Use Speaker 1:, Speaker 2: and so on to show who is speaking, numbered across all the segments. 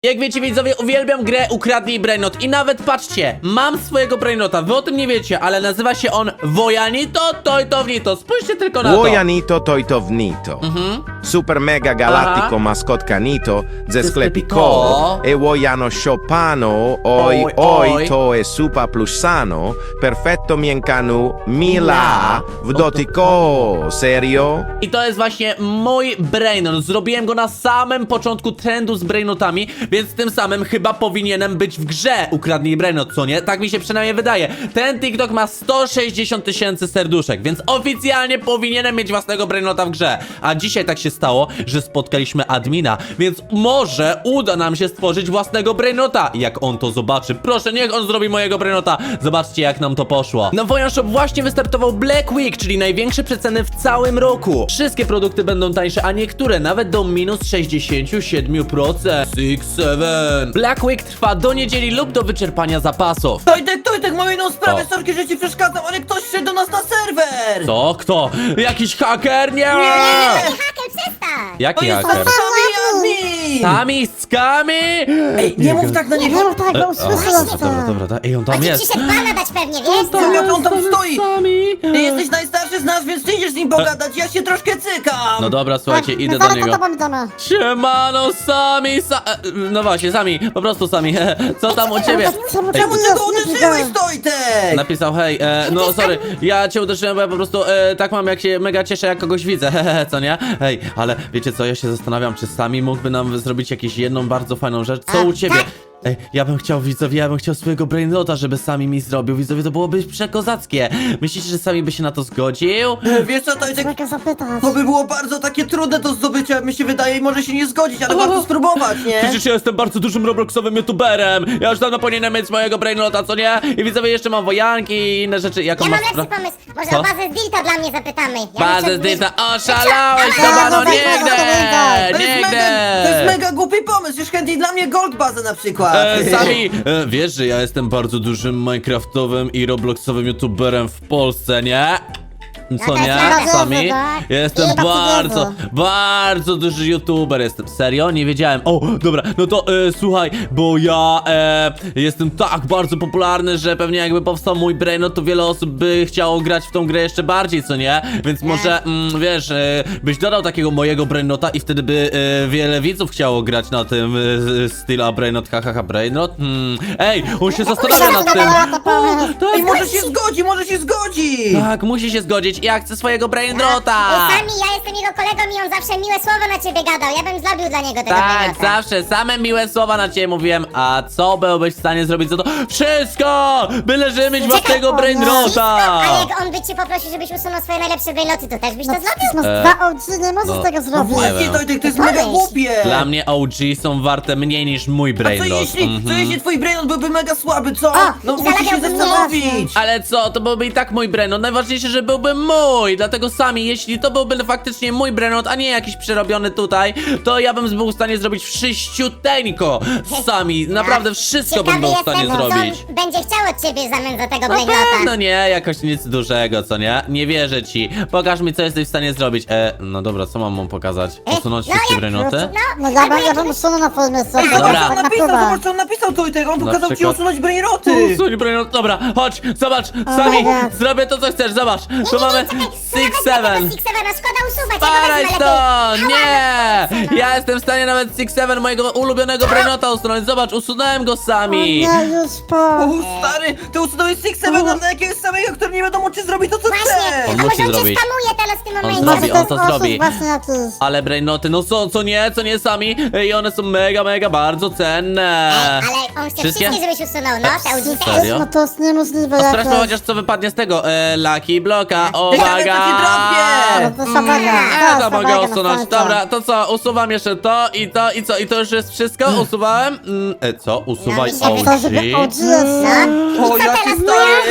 Speaker 1: Jak wiecie, widzowie, uwielbiam grę Ukradnij Brainrot i nawet patrzcie, mam swojego Brainrota, wy o tym nie wiecie, ale nazywa się on Wojanito Tojtownito. Spójrzcie tylko na to.
Speaker 2: Wojanito Tojtownito. Super mega galattico maskotka Nito ze sklepiko e Wojano Shopano oj oj to e super plus sano perfetto miękanu mila w dotyko. Serio?
Speaker 1: I to jest właśnie mój Brainrot. Zrobiłem go na samym początku trendu z Brainrotami, więc tym samym chyba powinienem być w grze Ukradnij Brainrot, co nie? Tak mi się przynajmniej wydaje. Ten TikTok ma 160 000 serduszek, więc oficjalnie powinienem mieć własnego Brainrota w grze. A dzisiaj tak się stało, że spotkaliśmy admina, więc może uda nam się stworzyć własnego Brainrota. Jak on to zobaczy, proszę, niech on zrobi mojego Brainrota. Zobaczcie, jak nam to poszło. Na Wojan Shop właśnie wystartował Black Week, czyli największe przeceny w całym roku. Wszystkie produkty będą tańsze, a niektóre nawet do minus 67%. 6-7. Black Week trwa do niedzieli lub do wyczerpania zapasów.
Speaker 3: Tojtek, mam jedną sprawę,
Speaker 1: Co?
Speaker 3: sorki, że ci przeszkadzam, ale ktoś wszedł do nas na serwer!
Speaker 1: Co? Kto? Jakiś haker? Nie!
Speaker 4: Haker, przestań!
Speaker 1: Jaki
Speaker 3: To jest
Speaker 1: haker?
Speaker 3: sami admin!
Speaker 1: Sami skami?
Speaker 3: Ej, nie mów tak na niego!
Speaker 4: Nie mów tak, bo usłyszę
Speaker 1: Dobra, ej, on tam
Speaker 4: Ci
Speaker 1: jest.
Speaker 4: przyszedł pana dać pewnie, wiesz co?
Speaker 3: Jak on tam stoi!
Speaker 1: Sami.
Speaker 3: Ty jesteś najstarszy z nas, więc ty idziesz z nim pogadać, ja się troszkę cykam!
Speaker 1: No dobra, słuchajcie, idę do
Speaker 4: Zaraz to
Speaker 1: niego.
Speaker 4: pamiętamy.
Speaker 1: Siemano, no właśnie, Sami, po prostu Sami. Co tam u ciebie?
Speaker 3: Czemu ty go uderzyłeś, Tojtek?
Speaker 1: Napisał, hej, no sorry, ja cię uderzyłem, bo ja po prostu tak mam, jak się mega cieszę, jak kogoś widzę, co nie? Hej, ale wiecie co, ja się zastanawiam, czy Sami mógłby nam zrobić jakąś jedną bardzo fajną rzecz. Co u ciebie? Ej, ja bym chciał, widzowie, ja bym chciał swojego Brainrota, żeby Sami mi zrobił. Widzowie, to byłoby przekozackie. Myślicie, że Sami by się na to zgodził?
Speaker 3: Wiesz co, Tojtek?
Speaker 4: Mogę zapytać.
Speaker 3: To by było bardzo takie trudne do zdobycia, mi się wydaje, i może się nie zgodzić, ale warto spróbować, nie?
Speaker 1: Przecież ja jestem bardzo dużym robloxowym youtuberem. Ja już dawno powinienem mieć mojego Brainrota, co nie? I widzowie, jeszcze mam wojanki i inne rzeczy. Jaką
Speaker 4: Ja mam
Speaker 1: masz
Speaker 4: lepszy pomysł. Może
Speaker 1: Co?
Speaker 4: o bazę z Dilta dla mnie zapytamy.
Speaker 1: Bazę z Dilta, oszalałeś,
Speaker 4: Ale-
Speaker 1: chyba, no
Speaker 4: ale-
Speaker 1: nigdy!
Speaker 3: To jest mega głupi pomysł, już chętniej dla mnie gold bazę na przykład.
Speaker 1: Sami, wiesz, że ja jestem bardzo dużym minecraftowym i robloxowym youtuberem w Polsce, nie? Co nie, Sami? Ja jestem bardzo duży youtuber jestem. Serio? Nie wiedziałem. O, dobra, no to słuchaj, bo ja jestem tak bardzo popularny, że pewnie jakby powstał mój Brainrot, to wiele osób by chciało grać w tą grę jeszcze bardziej, co nie? Więc może, wiesz, byś dodał takiego mojego Brainrota i wtedy by wiele widzów chciało grać na tym styla Brainrot, hahaha, Brainrot. Ej, on się zastanawia nad tym.
Speaker 3: I może się zgodzi!
Speaker 1: Tak, musi się zgodzić. Ja chcę swojego Brainrota.
Speaker 4: Sami, ja jestem jego kolegą i on zawsze miłe słowo na ciebie gadał. Ja bym zrobił dla niego tego
Speaker 1: Tak,
Speaker 4: Brainrota.
Speaker 1: zawsze same miłe słowa na ciebie mówiłem. A co byłbyś w stanie zrobić za to? Wszystko! Byle żeby mieć własnego Brainrota!
Speaker 4: A jak on by cię poprosił, żebyś usunął swoje najlepsze Brainroty, to też byś to zrobił?
Speaker 5: No dwa OG, nie możesz
Speaker 1: no,
Speaker 5: tego zrobić.
Speaker 3: Właśnie, Tojtek, to jest mega głupie!
Speaker 1: Dla mnie OG są warte mniej niż mój
Speaker 3: A co
Speaker 1: Brainrot.
Speaker 3: jeśli twój Brainrot byłby mega słaby, co? No
Speaker 4: i
Speaker 3: musisz się
Speaker 4: zalabiałby mnie
Speaker 3: zastanowić!
Speaker 1: Ale co, to byłby i tak mój Brainrot. Najważniejsze, że byłby mój. Dlatego Sami, jeśli to byłby faktycznie mój Brainrot, a nie jakiś przerobiony tutaj, to ja bym był w stanie zrobić wszyściuteńko. Sami, naprawdę wszystko bym był w stanie
Speaker 4: co
Speaker 1: zrobić.
Speaker 4: on będzie chciał od ciebie w zamian za tego
Speaker 1: Na
Speaker 4: Brainrota.
Speaker 1: pewno nie, jakoś nic dużego, co nie? Nie wierzę ci. Pokaż mi, co jesteś w stanie zrobić. No dobra, co mam mu pokazać? Usunąć
Speaker 4: no
Speaker 1: wszystkie
Speaker 4: jak-
Speaker 1: brainoty?
Speaker 5: No ja bym usunął na twoim miejscu.
Speaker 3: Ej,
Speaker 1: Dobra.
Speaker 3: zobacz co on napisał, Tojtek, on pokazał ci
Speaker 1: przykład?
Speaker 3: usunąć Brainroty!
Speaker 1: Usuń brainot, dobra, chodź, zobacz, Sami,
Speaker 5: God.
Speaker 1: zrobię to, co chcesz, zobacz. Tu mamy 6-7.
Speaker 4: Six-Seven, szkoda usuwać,
Speaker 1: Sparaj
Speaker 4: ja go
Speaker 1: to!
Speaker 4: wezmę
Speaker 1: Nie!
Speaker 4: lepiej.
Speaker 1: Ja jestem w stanie nawet 6-7 mojego ulubionego brainota usunąć. Zobacz, usunąłem go Sami.
Speaker 5: Nie, już po.
Speaker 3: O, stary, ty usunąłeś Six-Seven na jakiegoś samego, który nie wiadomo czy zrobi to, co
Speaker 4: Właśnie,
Speaker 3: chce!
Speaker 1: On
Speaker 4: a
Speaker 1: musi
Speaker 4: może on cię
Speaker 1: zrobić.
Speaker 4: skamuje teraz w tym
Speaker 1: On
Speaker 4: momencie?
Speaker 1: zrobi,
Speaker 5: Może to
Speaker 1: on to
Speaker 5: jest
Speaker 1: zrobi.
Speaker 5: oszust właśnie jakiś.
Speaker 1: Ale brainoty, no co nie Sami? I one są mega bardzo cenne.
Speaker 4: Ale on chce
Speaker 1: Wszystkie?
Speaker 4: wszystkie, żebyś usunął, no, te OG też.
Speaker 1: Serio?
Speaker 5: No to jest niemożliwe
Speaker 1: Sprawdźmy
Speaker 5: jakoś.
Speaker 1: chociaż co wypadnie z tego. Lucky Bloka,
Speaker 3: Ciekawe,
Speaker 1: uwaga!
Speaker 3: co ci drobnie!
Speaker 5: No to szabaga.
Speaker 1: To mogę usunąć. Dobra, to co? Usuwam jeszcze to i to i co? I to już jest wszystko? Usuwałem? Co? Usuwaj
Speaker 4: No, mi się
Speaker 5: To żeby
Speaker 1: OG?
Speaker 5: OG jest.
Speaker 4: No, i
Speaker 3: O,
Speaker 4: co
Speaker 3: jaki
Speaker 4: teraz?
Speaker 3: stary!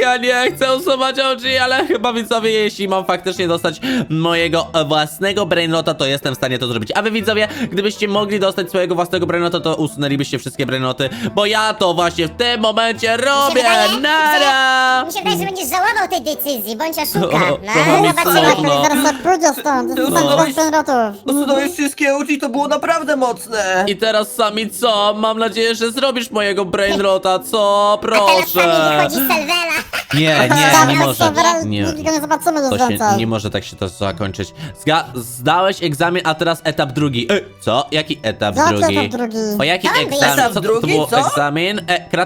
Speaker 1: Ja nie chcę usuwać oczy, ale chyba widzowie, jeśli mam faktycznie dostać mojego własnego brainrota, to jestem w stanie to zrobić. A wy widzowie, gdybyście mogli dostać swojego własnego brainrota, to usunęlibyście wszystkie brainroty, bo ja to właśnie w tym momencie robię. Nara!
Speaker 4: Mi się wydaje, że będziesz żałował tej decyzji, bądź oszuka.
Speaker 1: trochę mi
Speaker 4: Zobaczymy.
Speaker 1: smutno.
Speaker 5: Zaraz sobie pójdzie stąd. Zostań bez rotów.
Speaker 3: Usunąłeś wszystkie oczy i to było naprawdę mocne.
Speaker 1: I teraz sami co? Mam nadzieję, że zrobisz mojego brainrota, co?
Speaker 4: A teraz sami
Speaker 1: Proszę.
Speaker 4: wychodzi z serwera.
Speaker 1: Nie może.
Speaker 5: Nigdy go nie zobaczymy już
Speaker 1: To się,
Speaker 5: więcej.
Speaker 1: nie może tak się to zakończyć. Zdałeś egzamin, a teraz etap drugi. Co? Jaki etap
Speaker 5: Jaki
Speaker 1: drugi?
Speaker 5: etap drugi?
Speaker 1: O jaki
Speaker 4: Tam
Speaker 1: egzamin?
Speaker 3: etap
Speaker 1: Co to
Speaker 3: drugi,
Speaker 1: było?
Speaker 3: co?
Speaker 1: Egzamin?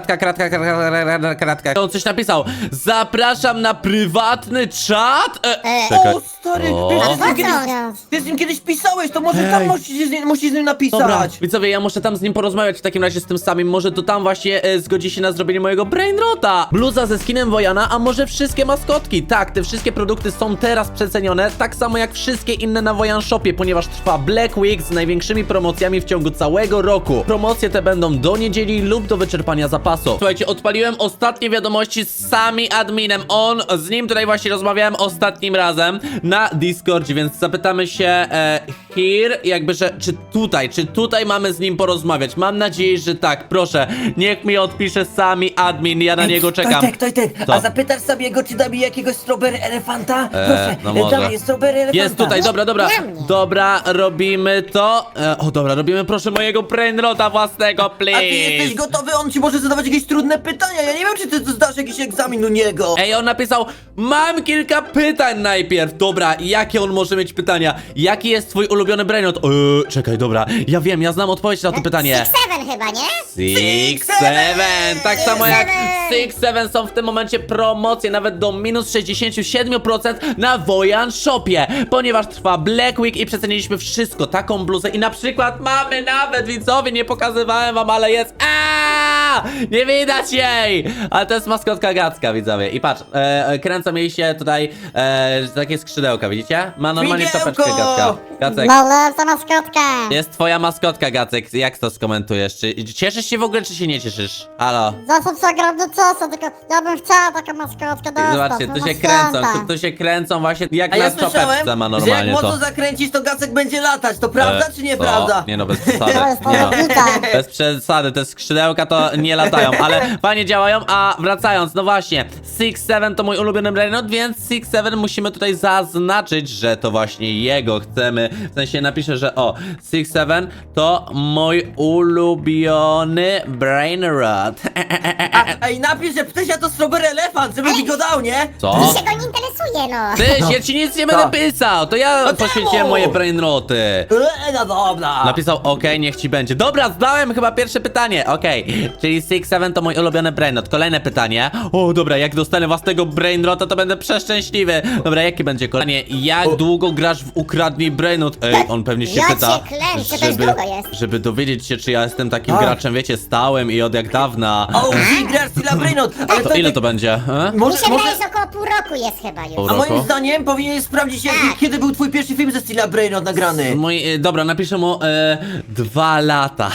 Speaker 1: Kratka. On coś napisał. Zapraszam na prywatny czat? Czekaj.
Speaker 3: O, stary,
Speaker 1: O.
Speaker 3: ty z nim kiedyś pisałeś, to może tam musisz z nim napisać.
Speaker 1: Dobra, widzowie, ja muszę tam z nim porozmawiać w takim razie z tym samym. Może to tam właśnie zgodzi się na zrobienie mojego brainrota. Bluza ze skinem Wojana, a może wszystkie maskotki. Tak, te wszystkie produkty są teraz przecenione, tak samo jak wszystkie inne na Wojan Shopie, ponieważ trwa Black Week z największymi promocjami w ciągu całego roku. Promocje te będą do niedzieli lub do wyczerpania zapasu. Słuchajcie, odpaliłem ostatnie wiadomości z sami adminem. Z nim tutaj właśnie rozmawiałem ostatnim razem na Discordzie, więc zapytamy się here, jakby, że czy tutaj mamy z nim porozmawiać. Mam nadzieję, że tak. Proszę, niech mi odpisze sami admin, ja na niego czekam.
Speaker 3: Tojtek,
Speaker 1: Co?
Speaker 3: a zapytasz sobie go, czy da mi jakiegoś strawberry elefanta? Proszę,
Speaker 1: no może.
Speaker 3: dam mi strawberry elefanta.
Speaker 1: Jest tutaj, dobra.
Speaker 4: Dla mnie.
Speaker 1: Dobra, robimy to. Dobra, robimy proszę mojego brainrota własnego,
Speaker 3: A ty jesteś
Speaker 1: please.
Speaker 3: gotowy? On ci może zadawać jakieś trudne pytania. Ja nie wiem, czy ty zdasz jakiś egzamin u niego.
Speaker 1: Ej, on napisał, mam kilka pytań najpierw. Dobra, jakie on może mieć pytania? Jaki jest twój ulubiony brainrot? Czekaj, dobra, ja wiem, ja znam odpowiedź na to pytanie.
Speaker 4: 6-7 chyba, nie?
Speaker 1: 6-7, tak samo jak
Speaker 4: 6-7.
Speaker 1: 6-7 są w tym momencie promocje nawet do minus 67% na Wojan Shopie, ponieważ trwa Black Week i przeceniliśmy wszystko, taką bluzę i na przykład mamy nawet, widzowie, nie pokazywałem wam, ale jest, nie widać jej, ale to jest maskotka Gacka, widzowie, i patrz, kręcą jej się tutaj takie skrzydełka, widzicie? Ma normalnie
Speaker 3: Widełko!
Speaker 1: czapeczkę Gacka. Gacek,
Speaker 5: Najlepsza maskotka.
Speaker 1: jest twoja maskotka, Gacek, jak to skomentujesz? Czy cieszysz się w ogóle, czy się nie cieszysz? Halo?
Speaker 5: Zawsze się ogromny cieszę, tylko ja bym chciała taką maskotkę dostać.
Speaker 1: Zobaczcie,
Speaker 5: no
Speaker 1: tu
Speaker 5: na
Speaker 1: się kręcą,
Speaker 5: święta.
Speaker 1: tu się kręcą właśnie jak
Speaker 3: A
Speaker 1: na
Speaker 3: ja
Speaker 1: czapeczce
Speaker 3: słyszałem,
Speaker 1: ma
Speaker 3: że jak
Speaker 1: normalnie
Speaker 3: mocno
Speaker 1: to.
Speaker 3: zakręcisz, to Gacek będzie latać. To prawda, czy
Speaker 1: Co?
Speaker 3: nieprawda?
Speaker 1: Nie no, bez przesady.
Speaker 5: To jest
Speaker 1: Nie no.
Speaker 5: pojedynka.
Speaker 1: Bez przesady, te skrzydełka to nie latają, ale fajnie działają, a wracając, no właśnie, 6-7 to mój ulubiony brainrot, więc 6-7 musimy tutaj zaznaczyć, że to właśnie jego chcemy, w sensie napiszę, że 6-7 to mój ulubiony brainrot.
Speaker 3: Ej, napisz, że Ptysia to strawberry elefant, żeby mi go dał, nie?
Speaker 1: Co?
Speaker 4: Mi się go nie interesuje, no.
Speaker 1: Ty, ja ci nic nie będę pisał, to ja
Speaker 3: No
Speaker 1: poświęciłem
Speaker 3: czemu?
Speaker 1: moje brainroty.
Speaker 3: No dobra.
Speaker 1: Napisał okej, niech ci będzie. Dobra, zdałem chyba pierwsze pytanie. Okej, czyli 6-7 to mój ulubiony brainrot. Kolejne pytanie. O, dobra, jak dostanę własnego brainrota, to będę przeszczęśliwy. Dobra, jakie będzie kolejne? Jak długo grasz w Ukradnij Brainrot? Ej, on pewnie się
Speaker 4: Ja
Speaker 1: pyta,
Speaker 4: cię klęczę, to już długo jest.
Speaker 1: żeby dowiedzieć się, czy ja jestem takim graczem, wiecie, stałym i od jak dawna.
Speaker 3: O, grasz Stila Brainrot. Ale
Speaker 1: To ile to będzie?
Speaker 4: Mi
Speaker 3: Może,
Speaker 4: się
Speaker 3: może...
Speaker 4: wydaje, że około pół roku jest chyba już.
Speaker 1: Pół
Speaker 3: A moim
Speaker 1: roku?
Speaker 3: zdaniem powinien sprawdzić, kiedy był twój pierwszy film ze Stila Brainrot nagrany.
Speaker 1: Dobra, napiszę mu 2 lata.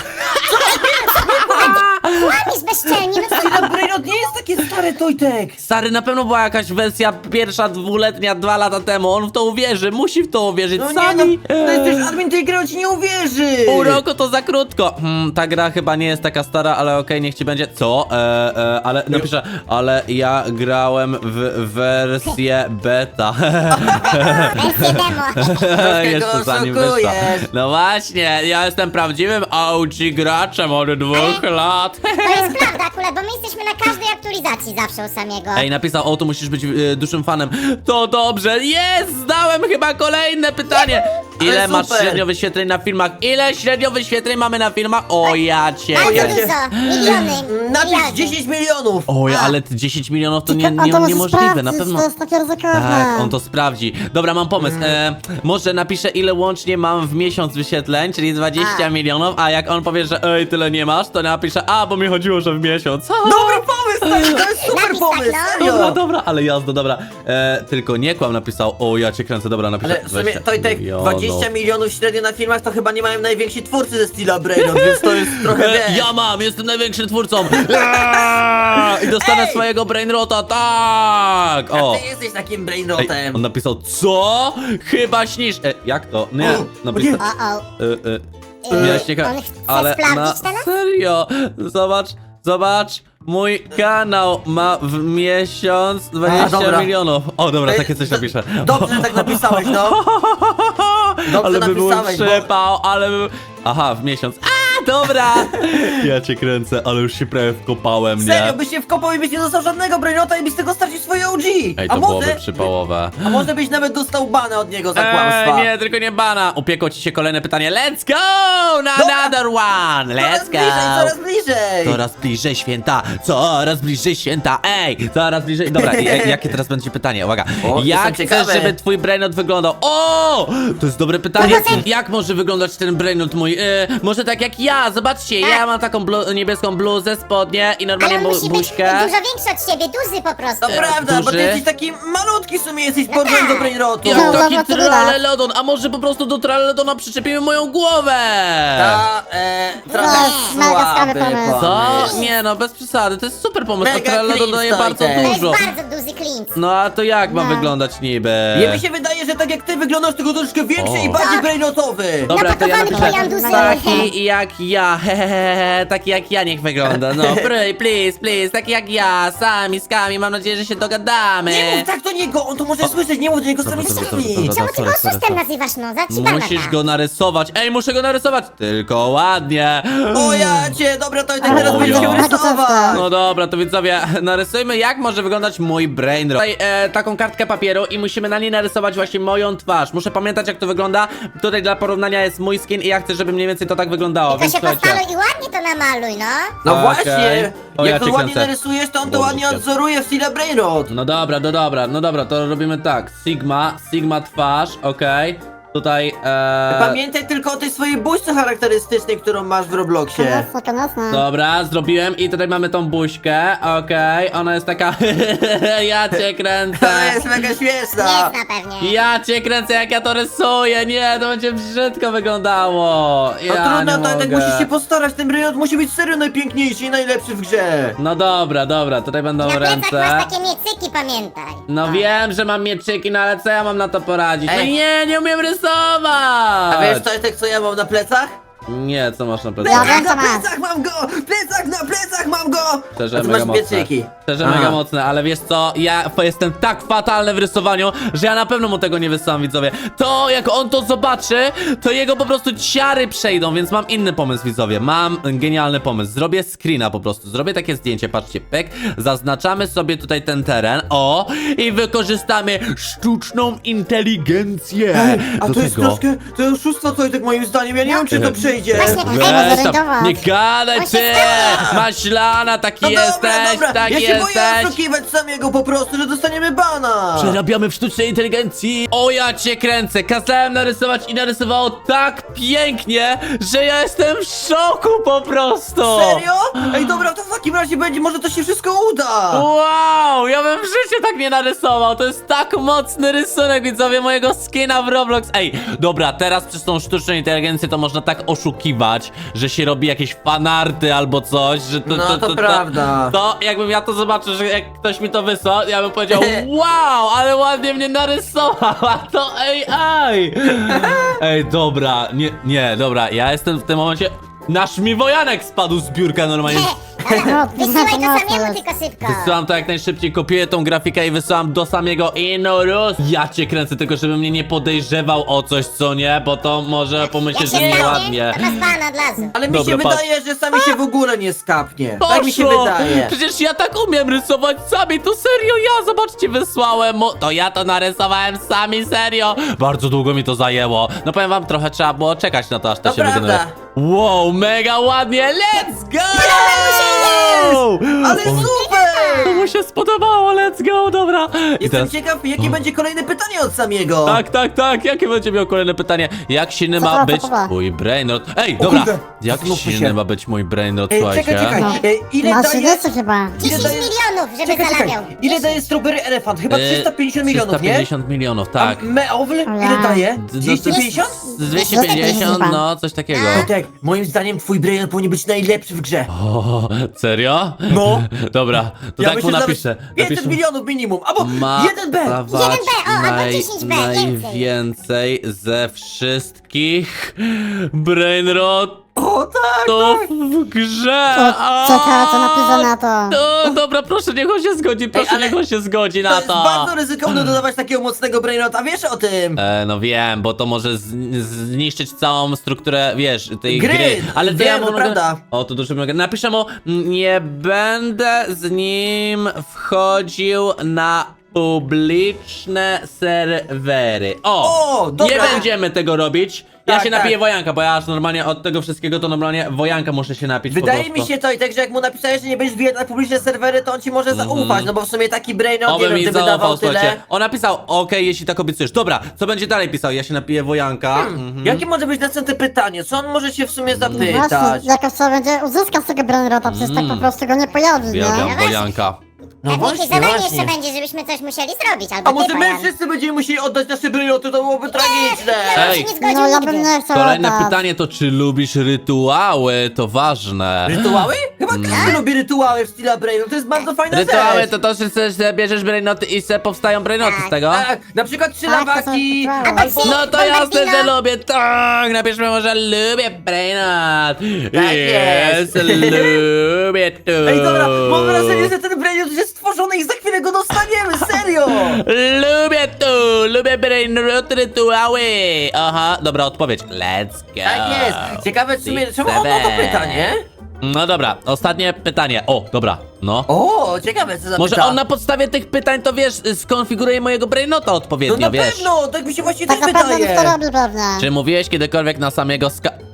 Speaker 4: Łamisz bezczelnie, no co?
Speaker 3: Stila Brainrot nie jest takie stare, Tojtek.
Speaker 1: Stary, na pewno była jakaś wersja pierwsza, 2-letnia, 2 lata temu. On w to uwierzy, musi w to uwierzyć.
Speaker 3: No nie,
Speaker 1: Sami.
Speaker 3: no, to jesteś admin tej gry, on ci nie uwierzy.
Speaker 1: Pół roku to za krótko. Ta gra chyba nie jest taka stara, ale okej, niech ci będzie. Co? Ale napiszę, ale ja grałem w wersję beta.
Speaker 4: Wersję demo.
Speaker 1: Jeszcze
Speaker 3: go
Speaker 1: zanim
Speaker 3: oszukujesz.
Speaker 1: wyszła. No właśnie, ja jestem prawdziwym OG graczem od 2 lat.
Speaker 4: To jest prawda akurat, bo my jesteśmy na każdej aktualizacji zawsze u samego.
Speaker 1: Ej, napisał, tu musisz być dużym fanem. To dobrze, jest! Zdałem chyba kolejne pytanie. Ile
Speaker 3: Ale
Speaker 1: masz
Speaker 3: super.
Speaker 1: średnio wyświetleń na filmach? Ile średnio wyświetleń mamy na filmach? O, ja cię.
Speaker 4: Bardzo
Speaker 3: ja
Speaker 4: dużo, miliony,
Speaker 3: Napisz
Speaker 4: miliardy.
Speaker 3: 10 milionów.
Speaker 1: Oj, ale 10 milionów to
Speaker 5: A to może
Speaker 1: niemożliwe,
Speaker 5: sprawdzić,
Speaker 1: na pewno.
Speaker 5: to jest takie ryzykowne.
Speaker 1: Tak, on to sprawdzi. Dobra, mam pomysł. Może napiszę, ile łącznie mam w miesiąc wyświetleń, czyli 20 milionów, a jak on powie, że ej, tyle nie masz, to napiszę, bo mi chodziło, że w miesiąc.
Speaker 3: Dobry pomysł, to jest super
Speaker 4: Napisz
Speaker 3: pomysł,
Speaker 4: tak, no.
Speaker 3: serio.
Speaker 1: Dobra, ale jazda, dobra. Tylko nie kłam napisał, o, ja cię kręcę, dobra, napiszę
Speaker 3: Ale w sumie, Tojtek,
Speaker 1: milionów.
Speaker 3: 20 milionów średnio na filmach to chyba nie mają najwięksi twórcy ze Steela Brainrot, więc to jest trochę wiesz.
Speaker 1: Ja mam, jestem największym twórcą. I dostanę swojego brainrota, tak. O.
Speaker 3: Ty jesteś takim
Speaker 1: Ej,
Speaker 3: Brainrotem.
Speaker 1: on napisał, co? Chyba śnisz. Jak to? Nie, napisał.
Speaker 4: O,
Speaker 1: Miałeś nie
Speaker 4: on chce
Speaker 1: ale na
Speaker 4: sprawdzić teraz?
Speaker 1: serio. Zobacz. Mój kanał ma w miesiąc 20
Speaker 3: dobra.
Speaker 1: milionów. O, dobra,
Speaker 3: Ej,
Speaker 1: takie coś napiszę.
Speaker 3: Dobrze, że tak napisałeś, no. Dobrze
Speaker 1: Ale by był
Speaker 3: napisałeś, bo...
Speaker 1: przypał, ale by... Aha, w miesiąc. Dobra! Ja cię kręcę, ale już się prawie wkopałem, nie?
Speaker 3: Serio, byś się wkopał i byś nie dostał żadnego Brainrota i byś z tego stracił swoje OG.
Speaker 1: Ej, to byłoby przypałowe.
Speaker 3: A może byś nawet dostał bana od niego za kłamstwa.
Speaker 1: Nie, tylko nie bana. Upiekło ci się kolejne pytanie. Let's go! Na
Speaker 3: Dobra.
Speaker 1: another one!
Speaker 3: Coraz
Speaker 1: Let's
Speaker 3: bliżej,
Speaker 1: go!
Speaker 3: coraz bliżej.
Speaker 1: Coraz bliżej święta! Coraz bliżej święta! Ej! Coraz bliżej... Dobra, jakie teraz będzie pytanie? Uwaga!
Speaker 3: O,
Speaker 1: Jak
Speaker 3: jestem
Speaker 1: chcesz,
Speaker 3: ciekawy.
Speaker 1: żeby twój brainrot wyglądał? O! To jest dobre pytanie. Jak może wyglądać ten brainrot mój? Może tak jak ja, zobaczcie, ja mam taką niebieską bluzę, spodnie i
Speaker 4: Ale
Speaker 1: normalnie
Speaker 4: on musi być
Speaker 1: buźkę.
Speaker 4: dużo większy od ciebie, duży po prostu.
Speaker 3: To prawda, bo ty
Speaker 1: duży?
Speaker 3: jesteś taki malutki w sumie, jesteś porównany do Brainrotu.
Speaker 1: Jak
Speaker 5: No,
Speaker 1: taki
Speaker 5: dobra, to widać.
Speaker 1: tralelodon, a może po prostu do tralelodona przyczepimy moją głowę?
Speaker 3: Ta, trochę
Speaker 5: jest mega
Speaker 3: słaby
Speaker 5: słaby pomysł.
Speaker 1: Co?
Speaker 3: pomysł.
Speaker 1: Nie no, bez przesady, to jest super pomysł, a
Speaker 3: Mega
Speaker 1: tralelodon
Speaker 3: clean
Speaker 1: daje
Speaker 3: stoi
Speaker 1: bardzo
Speaker 3: ten.
Speaker 4: To jest
Speaker 1: dużo.
Speaker 4: bardzo duży klint.
Speaker 1: No a to jak ma
Speaker 5: No.
Speaker 1: wyglądać niby?
Speaker 3: Nie mi się wydaje, że tak jak ty wyglądasz, tylko troszkę większy
Speaker 1: O.
Speaker 3: i bardziej brainotowy.
Speaker 1: Dobra, to ja
Speaker 4: Napakowany
Speaker 1: napiszę
Speaker 4: Bojan Duzy.
Speaker 1: taki jak ja, hehehe, taki jak ja niech wygląda, no please, taki jak ja, sami z Kami, mam nadzieję, że się dogadamy.
Speaker 3: Nie mów tak do niego, on to może słyszeć, nie mów do niego sami
Speaker 1: dobra,
Speaker 3: sami.
Speaker 1: dobra.
Speaker 4: Czemu ty go
Speaker 1: sorry.
Speaker 4: oszustem nazywasz, no? Za ci
Speaker 1: Musisz go narysować, ej, muszę go narysować, tylko ładnie.
Speaker 3: O ja cię, dobra, to i tak
Speaker 5: Ale
Speaker 3: teraz
Speaker 1: o
Speaker 3: będziesz
Speaker 1: ja.
Speaker 3: się rysować.
Speaker 1: No dobra, to widzowie, narysujmy jak może wyglądać mój brainrot. Tutaj taką kartkę papieru i musimy na niej narysować właśnie moją twarz. Muszę pamiętać jak to wygląda. Tutaj dla porównania jest mój skin i ja chcę, żeby mniej więcej to tak wyglądało,
Speaker 4: Tylko
Speaker 1: więc
Speaker 4: się
Speaker 1: słuchajcie.
Speaker 4: postaluj i ładnie to namaluj, no.
Speaker 3: No
Speaker 1: Okej.
Speaker 3: właśnie,
Speaker 1: O, ja
Speaker 3: jak to
Speaker 1: cię
Speaker 3: ładnie
Speaker 1: kręcę.
Speaker 3: narysujesz, to on to
Speaker 1: Boże,
Speaker 3: ładnie
Speaker 1: świat.
Speaker 3: odzoruje w stile Brainrot.
Speaker 1: No dobra, to robimy tak. Sigma twarz, okej. Tutaj,
Speaker 3: Pamiętaj tylko o tej swojej buźce charakterystycznej, którą masz w Robloxie.
Speaker 5: Konosna.
Speaker 1: dobra, zrobiłem i tutaj mamy tą buźkę, okej. Ona jest taka, ja cię kręcę.
Speaker 3: To jest mega śmieszna.
Speaker 4: Jest na pewnie.
Speaker 1: Ja cię kręcę jak ja to rysuję, nie, to będzie brzydko wyglądało.
Speaker 3: No
Speaker 1: Ja
Speaker 3: trudno,
Speaker 1: nie
Speaker 3: to tak
Speaker 1: mogę.
Speaker 3: musisz się postarać, ten Brainrot musi być serio najpiękniejszy i najlepszy w grze.
Speaker 1: No dobra, tutaj będą
Speaker 4: Na plecach
Speaker 1: ręce.
Speaker 4: masz takie miecyki, pamiętaj.
Speaker 1: No wiem, że mam mieczyki, no ale co ja mam na to poradzić? No
Speaker 3: Ej.
Speaker 1: nie umiem rysować!
Speaker 3: A wiesz Tojtek, co ja mam na plecach?
Speaker 1: Nie, co masz na
Speaker 5: Ja
Speaker 1: plecach?
Speaker 5: wiem,
Speaker 3: Na
Speaker 5: co masz.
Speaker 3: plecach mam go! Plecak na plecach mam go!
Speaker 1: Szczerze,
Speaker 3: A ty
Speaker 1: mega
Speaker 3: masz
Speaker 1: mocne.
Speaker 3: mieczyki.
Speaker 1: Szczerze,
Speaker 3: Aha.
Speaker 1: mega mocne, ale wiesz co? Ja jestem tak fatalny w rysowaniu, że ja na pewno mu tego nie wysyłam, widzowie. To, jak on to zobaczy, to jego po prostu ciary przejdą, więc mam inny pomysł, widzowie. Mam genialny pomysł. Zrobię screena po prostu. Zrobię takie zdjęcie, patrzcie, pyk. Zaznaczamy sobie tutaj ten teren, o, i wykorzystamy sztuczną inteligencję.
Speaker 3: A
Speaker 1: do
Speaker 3: to jest
Speaker 1: tego.
Speaker 3: troszkę, to jest oszustwo Tojtek moim zdaniem, ja nie wiem czy to przejdzie.
Speaker 4: Właśnie,
Speaker 5: Ej,
Speaker 1: Weź
Speaker 5: może
Speaker 1: tam,
Speaker 5: rajdować.
Speaker 1: nie gadaj
Speaker 4: On się
Speaker 1: ty!
Speaker 4: stara.
Speaker 1: Maślana, taki
Speaker 3: No
Speaker 1: jesteś,
Speaker 3: dobra,
Speaker 1: tak
Speaker 3: ja się boję
Speaker 1: jesteś!
Speaker 3: oszukiwać samego po prostu, że dostaniemy bana.
Speaker 1: Przerabiamy w sztucznej inteligencji! O, ja cię kręcę! Kazałem narysować i narysowało tak pięknie, że ja jestem w szoku po prostu!
Speaker 3: Serio? Ej dobra, to w takim razie będzie, może to się wszystko uda.
Speaker 1: Wow, ja bym w życiu tak nie narysował. To jest tak mocny rysunek, widzowie, mojego skina w Roblox. Ej, dobra, teraz przez tą sztuczną inteligencję to można tak oszukiwać, że się robi jakieś fanarty albo coś, że to,
Speaker 3: No, to prawda.
Speaker 1: To jakbym ja to zobaczył, że jak ktoś mi to wysłał, ja bym powiedział, wow, ale ładnie mnie narysowała to AI. Ej, dobra, dobra, ja jestem w tym momencie... Nasz mi wojanek spadł z biurka normalnie.
Speaker 5: No,
Speaker 4: Wysyłaj to
Speaker 5: mocno
Speaker 4: samemu
Speaker 5: jest.
Speaker 4: tylko szybko.
Speaker 1: Wysyłam to jak najszybciej, kopiuję tą grafikę i wysyłam do samego Inurus. Ja cię kręcę, tylko żeby mnie nie podejrzewał o coś, co nie, bo to może
Speaker 4: Jak
Speaker 1: pomyśleć,
Speaker 4: się
Speaker 1: że
Speaker 4: stanie,
Speaker 1: nieładnie.
Speaker 4: to masz bana od razu.
Speaker 3: Ale mi
Speaker 1: Dobra,
Speaker 3: się
Speaker 1: patrz.
Speaker 3: wydaje, że sami się w ogóle nie skapnie. Tak mi się
Speaker 1: Poszło!
Speaker 3: wydaje.
Speaker 1: Przecież ja tak umiem rysować sami, to serio ja, zobaczcie, wysłałem to ja to narysowałem sami, serio. Bardzo długo mi to zajęło. No powiem wam, trochę trzeba było czekać na to, aż to
Speaker 3: To
Speaker 1: się
Speaker 3: prawda.
Speaker 1: wygeneruje. Wow, mega ładnie, let's go!
Speaker 3: Ale super!
Speaker 1: To mu się spodobało, let's go, dobra. I
Speaker 3: Jestem
Speaker 1: teraz...
Speaker 3: ciekaw, jakie będzie kolejne pytanie od Samiego.
Speaker 1: Tak, jakie będzie miał kolejne pytanie? Jak silny
Speaker 5: Co
Speaker 1: ma
Speaker 5: to,
Speaker 1: być
Speaker 5: co to?
Speaker 1: mój brainrot? Ej,
Speaker 3: O
Speaker 1: dobra,
Speaker 3: kurde,
Speaker 1: jak
Speaker 3: zastanówmy
Speaker 1: silny
Speaker 3: się.
Speaker 1: ma być mój brainrot,
Speaker 3: Ej,
Speaker 1: słuchajcie?
Speaker 3: czekaj.
Speaker 5: No.
Speaker 3: Ile
Speaker 5: Masz
Speaker 3: daje...
Speaker 5: idysy chyba.
Speaker 4: 10
Speaker 3: daje-
Speaker 4: milionów, żeby
Speaker 3: Czekaj.
Speaker 4: zarabiał.
Speaker 3: Ile daje strawberry elefant? Chyba 350 milionów, nie?
Speaker 1: 350 milionów, tak.
Speaker 3: A meowl ile
Speaker 5: Ja.
Speaker 3: daje?
Speaker 1: No,
Speaker 3: 250?
Speaker 1: Z 250,
Speaker 5: chyba.
Speaker 1: no, coś takiego.
Speaker 3: Tak, moim zdaniem twój brain powinien być najlepszy w grze.
Speaker 1: O, serio?
Speaker 3: No.
Speaker 1: Dobra, to tak mu
Speaker 3: że
Speaker 1: napiszę.
Speaker 3: nawet 500 milionów minimum, albo
Speaker 1: Ma
Speaker 3: 1B.
Speaker 1: dawać
Speaker 4: 1B, o, albo 10B, więcej.
Speaker 1: najwięcej ze wszystkich brainrotów
Speaker 3: O tak!
Speaker 1: w grze.
Speaker 5: Czekaj, co napiszę na to.
Speaker 1: No, dobra, proszę, niech on się zgodzi, proszę,
Speaker 3: ale
Speaker 1: niech on się zgodzi
Speaker 3: To
Speaker 1: na
Speaker 3: jest
Speaker 1: to.
Speaker 3: bardzo ryzykowne dodawać takiego mocnego brainrota, wiesz o tym?
Speaker 1: No wiem, bo to może zniszczyć całą strukturę, wiesz, tej
Speaker 3: Gry,
Speaker 1: gry. Ale to
Speaker 3: wiem,
Speaker 1: ja mu
Speaker 3: to
Speaker 1: mogę...
Speaker 3: prawda.
Speaker 1: O, to dużo mogę. Napiszę mu, nie będę z nim wchodził na publiczne serwery.
Speaker 3: O, dobra.
Speaker 1: Nie będziemy tego robić. Ja
Speaker 3: Tak,
Speaker 1: się
Speaker 3: tak.
Speaker 1: napiję wojanka, bo ja aż normalnie od tego wszystkiego to normalnie wojanka muszę się napić.
Speaker 3: Wydaje
Speaker 1: po
Speaker 3: mi
Speaker 1: prostu.
Speaker 3: się to i tak, że jak mu napisałeś, że nie będziesz wbijać na publiczne serwery, to on ci może zaufać, no bo w sumie taki brainrot, nie
Speaker 1: Oby
Speaker 3: wiem,
Speaker 1: mi
Speaker 3: gdyby
Speaker 1: zaufał,
Speaker 3: dawał tyle.
Speaker 1: słuchajcie. On napisał, okej, jeśli tak obiecujesz. Dobra, co będzie dalej pisał? Ja się napiję wojanka. Mhm.
Speaker 3: Jakie może być następne pytanie? Co on może się w sumie zapytać?
Speaker 5: Właśnie, jakoś trzeba będzie uzyskać z tego Brainrota, przecież tak po prostu go nie pojawi,
Speaker 1: Uwielbiam
Speaker 5: nie?
Speaker 1: wojanka.
Speaker 3: No
Speaker 4: Pewnie jakieś
Speaker 3: właśnie,
Speaker 4: zadanie
Speaker 3: właśnie.
Speaker 4: jeszcze będzie, żebyśmy coś musieli zrobić, albo
Speaker 3: A może
Speaker 4: ty,
Speaker 3: my
Speaker 4: Bajan.
Speaker 3: wszyscy będziemy musieli oddać nasze brainroty, to byłoby tragiczne!
Speaker 4: Ja bym
Speaker 1: Ej.
Speaker 4: się nie zgodził
Speaker 5: No ja
Speaker 4: nigdy.
Speaker 5: bym nie chciał
Speaker 1: Kolejne
Speaker 5: oddać.
Speaker 1: pytanie to, czy lubisz rytuały? To ważne.
Speaker 3: Rytuały? Chyba każdy lubi rytuały w stylu brainrot, to jest bardzo fajna
Speaker 1: Rytuały
Speaker 3: rzecz.
Speaker 1: to, że bierzesz brainoty i se powstają brainoty z tego?
Speaker 3: Tak, na przykład trzy
Speaker 5: Tak, to są
Speaker 3: lawaki,
Speaker 5: rytuały.
Speaker 3: albo...
Speaker 1: No to jasne, że lubię, tak! Napiszmy może lubię brainot.
Speaker 3: Tak
Speaker 1: Yes,
Speaker 3: jest.
Speaker 1: lubię to.
Speaker 3: Ej, dobra, mam wrażenie, że ten brainrot już jest stworzony i za chwilę go dostaniemy, serio!
Speaker 1: Lubię to, lubię brainrot rytuały. Aha, dobra odpowiedź. Let's go.
Speaker 3: Tak jest. Ciekawe w sumie, czemu on ma to pytanie?
Speaker 1: No dobra, ostatnie pytanie. O, dobra, no.
Speaker 3: O, ciekawe co zapyta.
Speaker 1: Może on na podstawie tych pytań, to wiesz, skonfiguruje mojego brainota
Speaker 3: No
Speaker 1: odpowiednio,
Speaker 3: na
Speaker 1: wiesz.
Speaker 3: pewno, tak mi się właśnie
Speaker 5: Tak
Speaker 3: też
Speaker 5: naprawdę
Speaker 3: wydaje.
Speaker 5: to robi pewnie.
Speaker 1: Czy mówiłeś kiedykolwiek na samego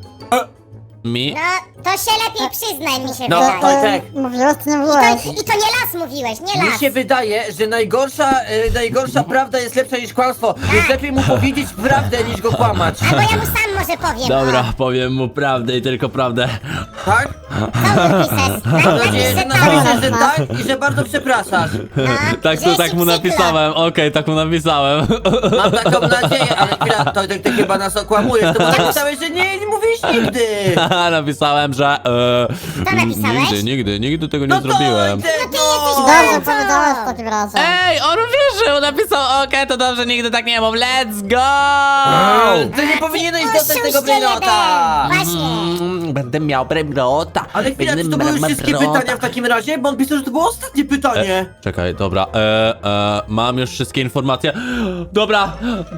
Speaker 1: Mi?
Speaker 4: No, to się lepiej przyznaj, mi się
Speaker 3: No,
Speaker 4: wydaje.
Speaker 3: to tak.
Speaker 5: Mówiłeś, czy nie mówiłeś?
Speaker 4: I to nie las mówiłeś, nie
Speaker 3: Mi
Speaker 4: las.
Speaker 3: się wydaje, że najgorsza prawda jest lepsza niż kłamstwo, więc lepiej mu powiedzieć prawdę niż go kłamać.
Speaker 4: Albo ja mu sam może powiem.
Speaker 1: Dobra, powiem mu prawdę i tylko prawdę.
Speaker 3: Tak?
Speaker 4: Dobry pises.
Speaker 3: Mam nadzieję, że napiszesz, że
Speaker 5: tak.
Speaker 3: tak i że bardzo przepraszasz.
Speaker 1: Tak, to tak mu napisałem, okej, tak mu napisałem.
Speaker 3: Mam taką nadzieję, ale chwila, to ty chyba nas okłamujesz, to bo napisałeś, że nie mówiłeś nigdy.
Speaker 1: Napisałem, że
Speaker 4: Co napisałeś?
Speaker 1: nigdy tego nie
Speaker 3: No to
Speaker 1: zrobiłem.
Speaker 5: Dobrze powiedziałeś w takim razie.
Speaker 1: Ej, on wierzył, napisał, okej, to dobrze, nigdy tak nie mów, let's go!
Speaker 3: Ty nie powinieneś dostać tego
Speaker 4: Oszuście
Speaker 3: brainota.
Speaker 4: jeden. Właśnie.
Speaker 1: Będę miał brainota.
Speaker 3: Ale chwila, czy to były już wszystkie pytania w takim razie? Bo on pisał, że to było ostatnie pytanie.
Speaker 1: Czekaj, dobra, mam już wszystkie informacje. Dobra,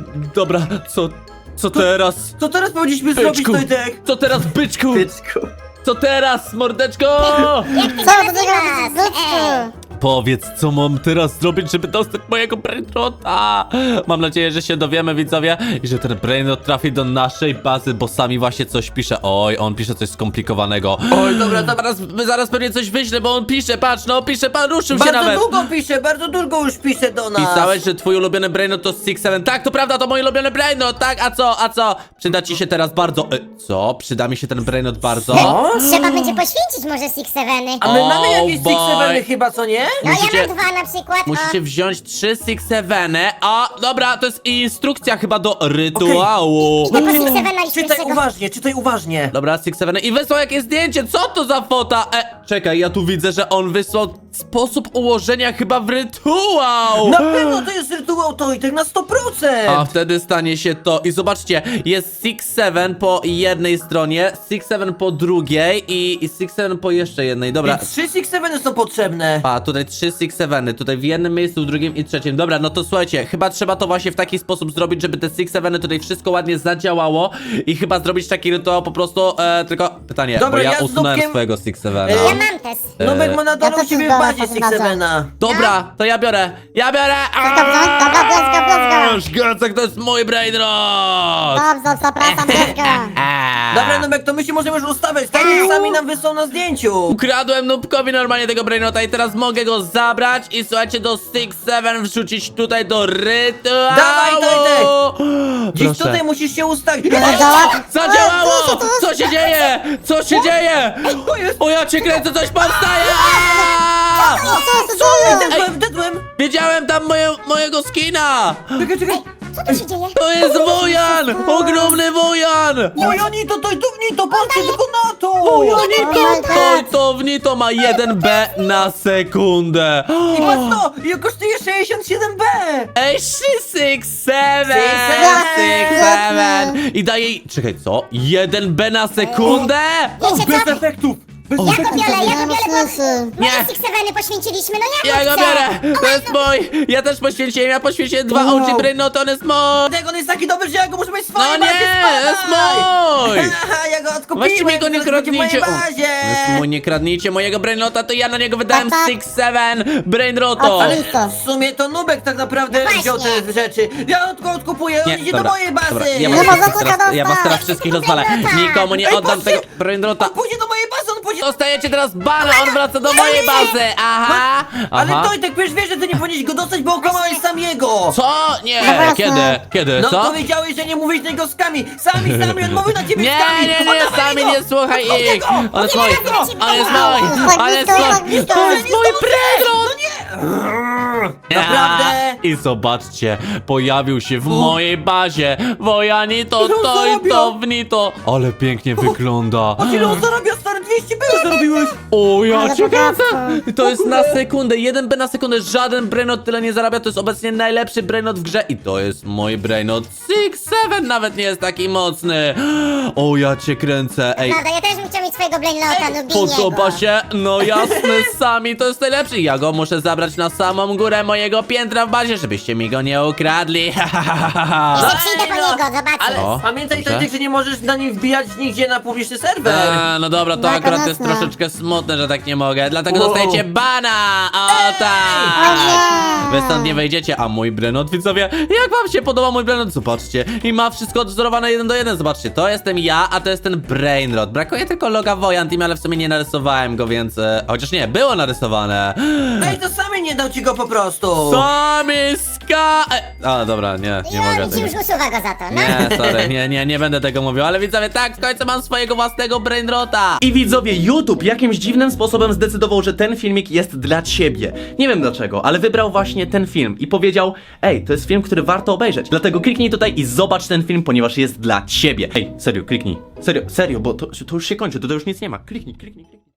Speaker 1: co teraz?
Speaker 3: Co teraz powinniśmy zrobić,
Speaker 1: Byczku,
Speaker 3: Tojtek?
Speaker 1: co teraz, byczku? Co teraz, mordeczko?
Speaker 5: Co do tego zbytku?
Speaker 1: Powiedz, co mam teraz zrobić, żeby dostać mojego brainrota? Mam nadzieję, że się dowiemy, widzowie, i że ten brainrot trafi do naszej bazy, bo sami właśnie coś pisze. Oj, on pisze coś skomplikowanego.
Speaker 3: Oj, dobra,
Speaker 1: Zaraz pewnie coś wyślę, bo on pisze, patrz, no pisze, pan ruszył się
Speaker 3: bardzo
Speaker 1: nawet.
Speaker 3: długo pisze, bardzo długo już pisze do nas.
Speaker 1: Pisałeś, że twój ulubiony brainrot to 6-7. Tak, to prawda, to mój ulubiony brainrot, tak? A co? Przyda ci się teraz bardzo. Co? Przyda mi się ten brainrot bardzo?
Speaker 3: O?
Speaker 4: Trzeba będzie poświęcić może Six Seveny.
Speaker 3: A my mamy
Speaker 1: Oh
Speaker 3: jakieś
Speaker 1: boy.
Speaker 3: Six Seveny chyba, co nie?
Speaker 4: No
Speaker 1: musicie-
Speaker 4: ja mam dwa na przykład.
Speaker 1: Musicie wziąć 3 6-7. A, dobra, to jest instrukcja chyba do rytuału.
Speaker 4: Idę po Six Sevena i
Speaker 3: Czytaj
Speaker 4: pierwszego.
Speaker 3: uważnie, czytaj uważnie.
Speaker 1: Dobra, 6-7 i wysłał jakieś zdjęcie, co to za fota? Czekaj, ja tu widzę, że on wysłał sposób ułożenia chyba w rytuał.
Speaker 3: Na pewno to jest rytuał Tojtek na 100%.
Speaker 1: A wtedy stanie się to. I zobaczcie, jest 6-7 po jednej stronie, 6-7 po drugiej i 6-7 po jeszcze jednej. Dobra.
Speaker 3: I 3 Six Seveny są potrzebne.
Speaker 1: A, tutaj 3 6-7, tutaj w jednym miejscu, w drugim i trzecim. Dobra, no to słuchajcie, chyba trzeba to właśnie w taki sposób zrobić, żeby te 6-7 tutaj wszystko ładnie zadziałało i chyba zrobić taki rytuał po prostu, tylko pytanie,
Speaker 3: Dobra,
Speaker 1: bo ja
Speaker 3: ja z
Speaker 1: usunąłem
Speaker 3: Nubkiem-
Speaker 1: swojego 6-7.
Speaker 3: Ja
Speaker 4: Ja mam też.
Speaker 3: Nubek ma na dole
Speaker 5: ja
Speaker 3: u ciebie
Speaker 5: też
Speaker 3: w bazie
Speaker 5: biorę
Speaker 3: Six Sevena.
Speaker 1: Dobra, to ja biorę!
Speaker 5: Dobra, bierz go.
Speaker 1: Gacek, to jest mój brainrot!
Speaker 5: Dobrze, zapraszam, bierz go.
Speaker 3: Dobra, Nubek, to my się możemy już ustawiać, tak jak sami nam wysłał na zdjęciu.
Speaker 1: Ukradłem Nubkowi normalnie tego brainrota i teraz mogę go go zabrać i słuchajcie, do Six Seven wrzucić tutaj do rytuału.
Speaker 3: Dawaj, Tojtek! Dziś
Speaker 1: Proszę.
Speaker 3: tutaj musisz się ustawić.
Speaker 1: Zadziałało! Co się dzieje? Co się dzieje?
Speaker 3: To jest...
Speaker 1: O, ja cię kręcę, coś powstaje!
Speaker 3: Dedłem!
Speaker 1: Widziałem tam mojego skina!
Speaker 3: Czekaj.
Speaker 4: Co tu się dzieje?
Speaker 1: To jest wojan! Ogromny wojan!
Speaker 3: Mojonito, to patrzcie tylko na to!
Speaker 1: To w Nito ma 1B na sekundę.
Speaker 3: I patrz to! I kosztuje 67B!
Speaker 1: Ej, 667! I daje jej... Czekaj, co? 1B na sekundę?
Speaker 4: Wiecie
Speaker 3: Bez
Speaker 4: co?
Speaker 3: efektów! Bez
Speaker 4: Ja go
Speaker 3: efektów!
Speaker 4: biorę,
Speaker 5: Nie ma sensu.
Speaker 1: Nie.
Speaker 4: Moje Six Seveny poświęciliśmy, no
Speaker 1: Ja go
Speaker 4: chcę.
Speaker 1: biorę! To jest mój! Ja też poświęciłem 2
Speaker 3: Wow.
Speaker 1: OG Brainot, on jest mój!
Speaker 3: Dlatego on jest taki dobry, że ja go muszę mieć w
Speaker 1: No
Speaker 3: swojej
Speaker 1: nie,
Speaker 3: bazie,
Speaker 1: jest
Speaker 3: spadaj!
Speaker 1: mój!
Speaker 3: Haha, ja go odkupiłem!
Speaker 1: Weźcie mi go, nie
Speaker 3: teraz będzie w mojej
Speaker 1: kradnijcie!
Speaker 3: bazie!
Speaker 1: Jest mój, nie kradnijcie mojego Brainota, to ja na niego wydałem
Speaker 5: Tak, tak.
Speaker 1: 6-7 Brainroto!
Speaker 5: Ale-
Speaker 3: Ale w sumie to Nubek tak naprawdę
Speaker 4: No
Speaker 3: wziął
Speaker 4: właśnie.
Speaker 3: te rzeczy. Ja go odkupuję, on idzie do mojej bazy!
Speaker 1: dobra, ja
Speaker 5: Nie
Speaker 1: was,
Speaker 5: ma
Speaker 1: wszystkich
Speaker 5: za co
Speaker 1: teraz, ja was
Speaker 5: dostać.
Speaker 1: teraz wszystkich rozwalę. Nikomu nie
Speaker 3: Ej,
Speaker 1: oddam
Speaker 3: patrzcie!
Speaker 1: tego Brainrota.
Speaker 3: On pójdzie do mojej bazy, on pójdzie...
Speaker 1: Dostajecie teraz bana, on wraca do mojej bazy! Aha!
Speaker 3: Ale
Speaker 1: Aha.
Speaker 3: Tojtek, przecież wiesz, że ty nie powinieneś go dostać, bo okłamałeś sam jego!
Speaker 1: Co? Nie!
Speaker 5: No właśnie.
Speaker 1: Kiedy? Kiedy?
Speaker 3: No
Speaker 1: Co?
Speaker 3: powiedziałeś, że nie mówisz tego skami! Sami, on mówił na ciebie
Speaker 1: Nie,
Speaker 3: skami!
Speaker 1: nie,
Speaker 3: Oddawaj
Speaker 1: sami
Speaker 3: go!
Speaker 1: nie słuchaj
Speaker 3: Odkupię
Speaker 1: ich!
Speaker 3: go!
Speaker 1: On jest
Speaker 3: Odkupię
Speaker 1: mój!
Speaker 3: go!
Speaker 1: On jest mój!
Speaker 5: Tak
Speaker 1: On jest
Speaker 5: blisko,
Speaker 1: mój!
Speaker 5: tak blisko.
Speaker 1: To jest mój Brainrot!
Speaker 3: Naprawdę?
Speaker 1: I zobaczcie, pojawił się w mojej bazie. Wojani to
Speaker 3: Ile on
Speaker 1: to i
Speaker 3: zarabia?
Speaker 1: to w Nito. Ale pięknie wygląda.
Speaker 3: A ile on zarabia, stary? 200 było zarobiłeś!
Speaker 1: O, ja
Speaker 5: Ale
Speaker 1: cię kręcę!
Speaker 5: bogactwo.
Speaker 1: To jest na sekundę, 1B na sekundę, żaden Brainot tyle nie zarabia, to jest obecnie najlepszy Brainot w grze i to jest mój Brainot 6-7, nawet nie jest taki mocny. O, ja cię kręcę, ej.
Speaker 4: Prawda, ja też bym chciał mieć swojego Brainlota, Nubiniego.
Speaker 1: Podoba się? No jasne, sami to jest najlepszy. Ja go muszę zabrać na samą górę mojego piętra w bazie, żebyście mi go nie ukradli.
Speaker 4: Jeszcze przyjdę po niego, zobaczcie.
Speaker 3: Ale
Speaker 1: O,
Speaker 3: pamiętaj,
Speaker 1: dobrze.
Speaker 3: Tojtek, że nie możesz na nim wbijać nigdzie na publiczny serwer!
Speaker 1: No dobra, to
Speaker 5: Tak,
Speaker 1: akurat jest
Speaker 5: jasne.
Speaker 1: troszeczkę smutne, że tak nie mogę, dlatego
Speaker 3: Wow.
Speaker 1: dostajecie bana! O
Speaker 5: O
Speaker 1: tak!
Speaker 5: nie.
Speaker 1: Wy stąd nie wejdziecie, a mój Brainot, widzowie, jak wam się podoba mój Brainot? Zobaczcie, i ma wszystko odwzorowane 1 do 1, zobaczcie, to jestem ja, a to jest ten Brainrot. Brakuje tylko loga Wojan Team, ale w sumie nie narysowałem go, więc... chociaż nie, było narysowane.
Speaker 3: Ej, to sami nie dał ci go po prostu!
Speaker 1: Sami ska... A, dobra, nie mogę
Speaker 4: I ci już
Speaker 1: tego.
Speaker 4: usuwa go za to, no.
Speaker 1: Nie, sorry, nie będę tego mówił, ale widzowie, tak, w końcu mam swojego własnego Brainrota.
Speaker 6: I widzowie, YouTube jakimś dziwnym sposobem zdecydował, że ten filmik jest dla ciebie. Nie wiem dlaczego, ale wybrał właśnie ten film i powiedział: ej, to jest film, który warto obejrzeć. Dlatego kliknij tutaj i zobacz ten film, ponieważ jest dla ciebie. Ej, serio, kliknij. Serio, bo to już się kończy, to już nic nie ma. Kliknij.